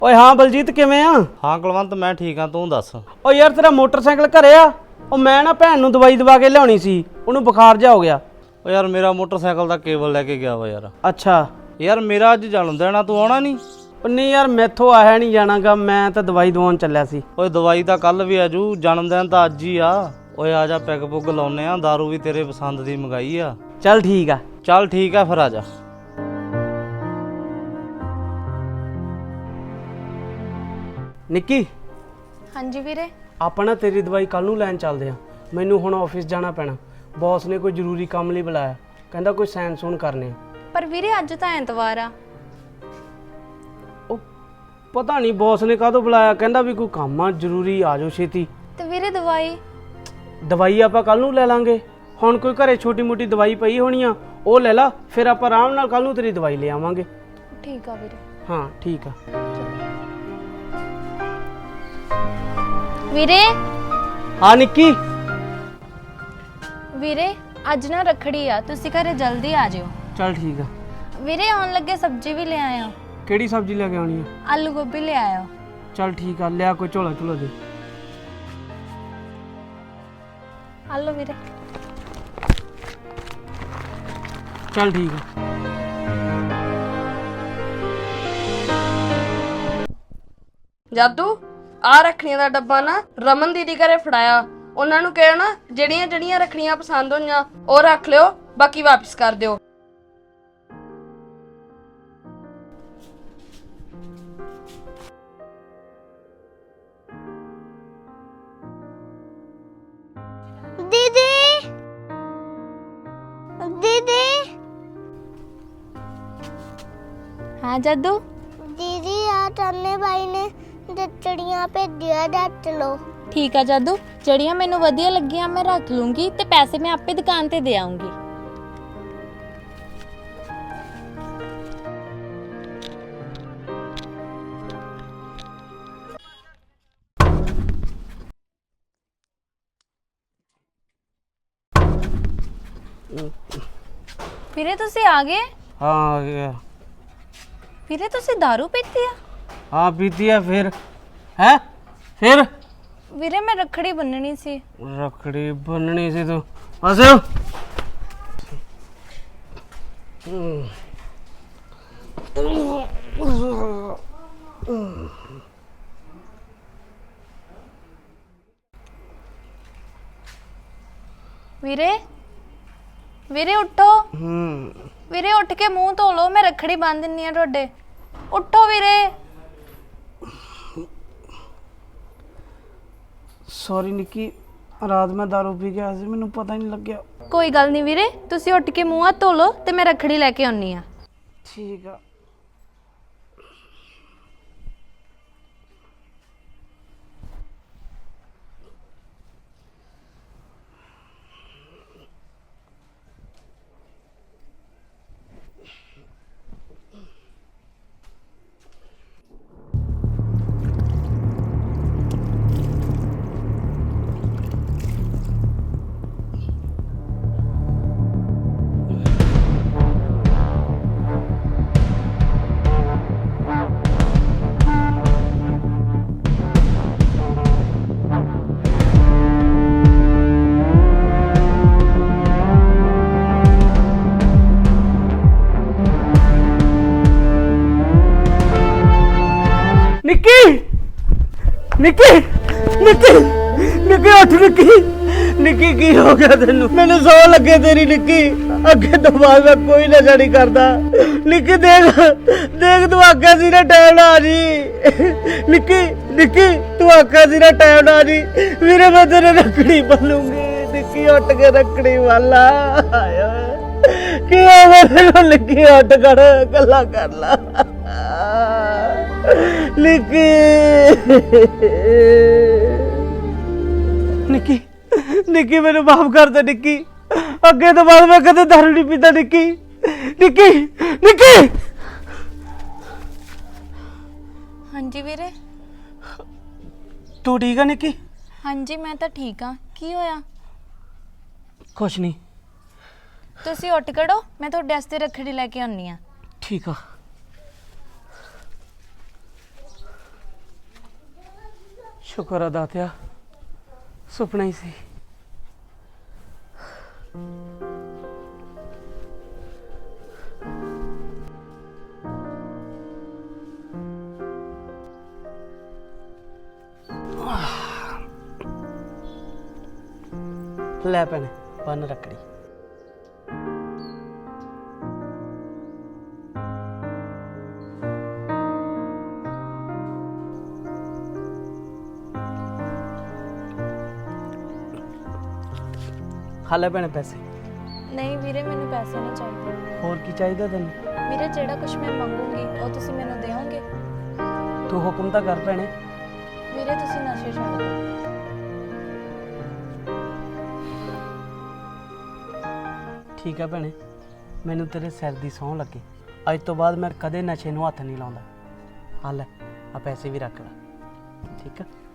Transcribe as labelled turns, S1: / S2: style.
S1: ਓਏ ਹਾਂ ਬਲਜੀਤ ਕਿਵੇਂ ਆ?
S2: ਹਾਂ ਕੁਲਵੰਤ ਮੈਂ ਠੀਕ ਆ, ਤੂੰ ਦੱਸ।
S1: ਓ ਯਾਰ ਤੇਰਾ ਮੋਟਰਸਾਈਕਲ ਘਰੇ ਆ? ਉਹ ਮੈਂ ਨਾ ਭੈਣ ਨੂੰ ਦਵਾਈ ਦਵਾ ਕੇ ਲਿਆਉਣੀ ਸੀ, ਉਹਨੂੰ ਬੁਖਾਰ ਜਾ ਹੋ ਗਿਆ।
S2: ਓ ਯਾਰ ਮੇਰਾ ਮੋਟਰਸਾਈਕਲ ਦਾ ਕੇਬਲ ਲੈ ਕੇ ਗਿਆ ਵਾ ਯਾਰ।
S1: ਅੱਛਾ
S2: ਯਾਰ ਮੇਰਾ ਅੱਜ ਜਨਮ ਦਿਨ ਆ, ਤੂੰ ਆਉਣਾ ਨਹੀਂ?
S1: ਉਹ ਨਹੀਂ ਯਾਰ ਮੈਥੋਂ ਆਇਆ ਨਹੀਂ ਜਾਣਾਗਾ, ਮੈਂ ਤਾਂ ਦਵਾਈ ਦਵਾਉਣ ਚੱਲਿਆ ਸੀ।
S2: ਓਏ ਦਵਾਈ ਤਾਂ ਕੱਲ ਵੀ ਆਜੂ, ਜਨਮ ਦਿਨ ਤਾਂ ਅੱਜ ਹੀ ਆ। ਓਏ ਆ ਜਾ ਪੈਗ ਪੁੱਗ ਲਾਉਨੇ ਆ, ਦਾਰੂ ਵੀ ਤੇਰੇ ਪਸੰਦ ਦੀ ਮੰਗਾਈ ਆ।
S1: ਚੱਲ ਠੀਕ ਆ।
S2: ਚੱਲ ਠੀਕ ਆ ਫਿਰ ਆ ਜਾ।
S1: ਨਿੱਕੀ
S3: ਹਾਂਜੀ ਵੀਰੇ।
S1: ਆਪਾਂ ਨਾ ਤੇਰੀ ਦਵਾਈ ਕੱਲ ਨੂੰ ਲੈਣ ਚੱਲਦੇ ਆ, ਮੈਨੂੰ ਹੁਣ ਆਫਿਸ ਜਾਣਾ ਪੈਣਾ। ਬੌਸ ਨੇ ਕੋਈ ਜ਼ਰੂਰੀ ਕੰਮ ਲਈ ਬੁਲਾਇਆ, ਕਹਿੰਦਾ ਕੋਈ ਸਾਈਨ ਸੂਨ ਕਰਨੇ ਆ।
S3: ਪਰ ਵੀਰੇ ਅੱਜ ਤਾਂ ਐਤਵਾਰ ਆ।
S1: ਉਹ ਪਤਾ ਨਹੀਂ ਬੌਸ ਨੇ ਕਾਹਦੋਂ ਬੁਲਾਇਆ, ਕਹਿੰਦਾ ਵੀ ਕੋਈ ਕੰਮ ਆ ਜ਼ਰੂਰੀ, ਆ ਜਾਓ ਛੇਤੀ।
S3: ਤੇ ਵੀਰੇ ਦਵਾਈ
S1: ਆਪਾਂ ਕੱਲ ਨੂੰ ਲੈ ਲਾਂਗੇ। ਹੁਣ ਕੋਈ ਘਰੇ ਛੋਟੀ ਮੋਟੀ ਦਵਾਈ ਪਈ ਹੋਣੀ ਆ, ਉਹ ਲੈ ਲਾ, ਫਿਰ ਆਪਾਂ ਆਰਾਮ ਨਾਲ ਕੱਲ ਨੂੰ ਤੇਰੀ ਦਵਾਈ ਲੈ ਆਵਾਂਗੇ।
S3: ਠੀਕ ਆ ਵੀਰੇ।
S1: ਹਾਂ ਠੀਕ ਆ।
S3: ਵੀਰੇ
S1: ਹਾਂ ਨਿੱਕੀ।
S3: ਵੀਰੇ ਅੱਜ ਨਾ ਰੱਖੜੀ ਆ, ਤੁਸੀਂ ਘਰੇ ਜਲਦੀ ਆ ਜਿਓ।
S1: ਚੱਲ ਠੀਕ ਆ।
S3: ਵੀਰੇ ਆਉਣ ਲੱਗੇ ਸਬਜ਼ੀ ਵੀ ਲੈ ਆਇਓ।
S1: ਕਿਹੜੀ ਸਬਜ਼ੀ ਲੈ ਕੇ ਆਉਣੀ ਆ?
S3: ਆਲੂ ਗੋਭੀ ਲੈ ਆਇਓ।
S1: ਚੱਲ ਠੀਕ ਆ, ਲਿਆ ਕੋਈ ਝੋਲਾ ਝੋਲਾ ਦੇ।
S3: ਆਲੂ ਵੀਰੇ।
S1: ਚੱਲ ਠੀਕ ਆ।
S4: ਜਾਦੂ ਆ ਰੱਖੜੀਆਂ ਦਾ ਡੱਬਾ ਨਾ ਰਮਨ ਦੀਦੀ ਘਰੇ ਫੜਾਇਆ। ਉਹਨਾਂ ਨੂੰ ਕਹਿਓ ਨਾ ਜਿਹੜੀਆਂ ਜਿਹੜੀਆਂ ਰੱਖੜੀਆਂ ਪਸੰਦ ਹੋਈਆਂ ਉਹ ਰੱਖ ਲਿਓ, ਬਾਕੀ ਵਾਪਸ ਕਰ ਦਿਓ।
S5: दीदी दीदी
S3: ਹਾਂ ਜਾਦੂ।
S5: दीदी आ तन्ने भाई ने चिड़िया भेजिया, डट लो।
S3: ਠੀਕ ਆ ਜਾਦੂ, ਜਿਹੜੀਆਂ ਮੈਨੂੰ ਵਧੀਆ ਲੱਗੀਆਂ ਮੈਂ ਰੱਖ ਲੂੰਗੀ ਤੇ ਪੈਸੇ ਮੈਂ ਆਪੇ ਦੁਕਾਨ ਤੇ ਦੇ ਆਉਂਗੀ। ਵੀਰੇ ਤੁਸੀਂ ਆ ਗਏ?
S1: ਹਾਂ ਆ ਗਿਆ।
S3: ਵੀਰੇ ਤੁਸੀਂ ਦਾਰੂ ਪੀਤੀ ਆ?
S1: ਹਾਂ ਪੀਤੀ ਆ। ਫਿਰ ਹੈ ਫਿਰ
S3: ਵੀਰੇ ਮੈਂ ਰੱਖੜੀ ਬੰਨਣੀ ਸੀ।
S1: ਰੱਖੜੀ ਬੰਨਣੀ ਸੀ ਤੂੰ? ਆਸਿਓ
S3: ਵੀਰੇ ਵੀਰੇ ਉੱਠੋ। ਵੀਰੇ ਉੱਠ ਕੇ ਮੂੰਹ ਧੋ ਲਓ, ਮੈਂ ਰੱਖੜੀ ਬੰਨ ਦਿੰਨੀ ਆ ਤੁਹਾਡੇ। ਉੱਠੋ ਵੀਰੇ।
S1: ਸੌਰੀ ਨਿੱਕੀ, ਰਾਤ ਮੈਂ ਦਾਰੂ ਪੀ ਗਿਆ ਸੀ, ਮੈਨੂੰ ਪਤਾ ਹੀ ਨਹੀਂ ਲੱਗਿਆ।
S3: ਕੋਈ ਗੱਲ ਨਹੀਂ ਵੀਰੇ, ਤੁਸੀਂ ਉੱਠ ਕੇ ਮੂੰਹ ਹੱਥ ਧੋ ਲਓ ਤੇ ਮੈਂ ਰੱਖੜੀ ਲੈ ਕੇ ਆਉਣੀ ਆ।
S1: ਠੀਕ ਆ। ਨਿੱਕੀ ਨਿੱਕੀ ਨਿੱਕੀ ਨਿੱਕੀ ਉੱਠ ਨਿੱਕੀ। ਨਿੱਕੀ ਕੀ ਹੋ ਗਿਆ ਤੈਨੂੰ? ਮੈਨੂੰ ਸੌ ਲੱਗੇ ਤੇਰੀ ਨਿੱਕੀ, ਅੱਗੇ ਤੋਂ ਬਾਅਦ ਮੈਂ ਕੋਈ ਨਸ਼ਾ ਨਹੀਂ ਕਰਦਾ। ਨਿੱਕੀ ਦੇਖ ਦੇਖ, ਤੂੰ ਆਖਿਆ ਸੀ ਨਾ ਟਾਈਮ ਨਾਲ ਆ ਜੀ। ਨਿੱਕੀ ਨਿੱਕੀ ਤੂੰ ਆਖਿਆ ਸੀ ਨਾ ਟਾਈਮ ਨਾਲ ਆ ਜੀ। ਵੀਰੇ ਮੈਂ ਤੇਰੇ ਰੱਖੜੀ ਬੰਨੂੰਗੀ। ਨਿੱਕੀ ਉੱਠ ਕੇ ਰੱਖੜੀ ਵਾਲਾ ਆਇਆ ਕੀ ਹੋਵੇ ਤੈਨੂੰ? ਨਿੱਕੀ ਉੱਠ ਕਰ, ਗੱਲਾਂ ਕਰ ਲਾ ਨਿੱਕੀ। ਨਿੱਕੀ ਨਿੱਕੀ ਮੈਨੂੰ ਮਾਫ ਕਰ ਦੇ ਨਿੱਕੀ, ਅੱਗੇ ਤੋਂ ਬਾਅਦ ਮੈਂ ਕਦੇ ਦਾਰੂ ਨਹੀਂ ਪੀਂਦਾ ਨਿੱਕੀ। ਨਿੱਕੀ ਨਿੱਕੀ।
S3: ਹਾਂਜੀ ਵੀਰੇ।
S1: ਤੂੰ ਠੀਕ ਆ ਨਿੱਕੀ?
S3: ਹਾਂਜੀ ਮੈਂ ਤਾਂ ਠੀਕ ਆ। ਕੀ ਹੋਇਆ?
S1: ਕੁਛ ਨਹੀਂ।
S3: ਤੁਸੀਂ ਉੱਠ ਖੜੋ, ਮੈਂ ਤੁਹਾਡੇ ਵਾਸਤੇ ਰੱਖੜੀ ਲੈ ਕੇ ਆਉਣੀ ਆ।
S1: ਠੀਕ ਆ। ਸ਼ੁਕਰ ਆ ਦਾਤਿਆ, ਸੁਪਨਾ ਹੀ ਸੀ। ਲੈ ਭੈਣੇ ਬੰਨ ਰੱਖੜੀ। ਹਾਲੇ ਭੈਣੇ ਪੈਸੇ।
S3: ਨਹੀਂ ਵੀਰੇ, ਮੈਨੂੰ ਪੈਸੇ ਨਹੀਂ ਚਾਹੀਦੇ।
S1: ਹੋਰ ਕੀ ਚਾਹੀਦਾ ਤੈਨੂੰ?
S3: ਵੀਰੇ, ਜਿਹੜਾ ਕੁਝ ਮੈਂ ਮੰਗੂੰਗੀ ਉਹ ਤੁਸੀਂ ਮੈਨੂੰ ਦਿਓਗੇ?
S1: ਤੂੰ ਹੁਕਮ ਤਾਂ ਕਰ ਭੈਣੇ।
S3: ਵੀਰੇ, ਤੁਸੀਂ ਨਸ਼ੇ ਛੱਡ ਦਿਓ।
S1: ਠੀਕ ਹੈ ਭੈਣੇ, ਮੈਨੂੰ ਤੇਰੇ ਸਿਰ ਦੀ ਸਹੁੰ ਲੱਗੇ, ਅੱਜ ਤੋਂ ਬਾਅਦ ਮੈਂ ਕਦੇ ਨਸ਼ੇ ਨੂੰ ਹੱਥ ਨਹੀਂ ਲਾਉਂਦਾ। ਆ ਲੈ, ਆ ਪੈਸੇ ਵੀ ਰੱਖ ਲੈ, ਠੀਕ ਆ?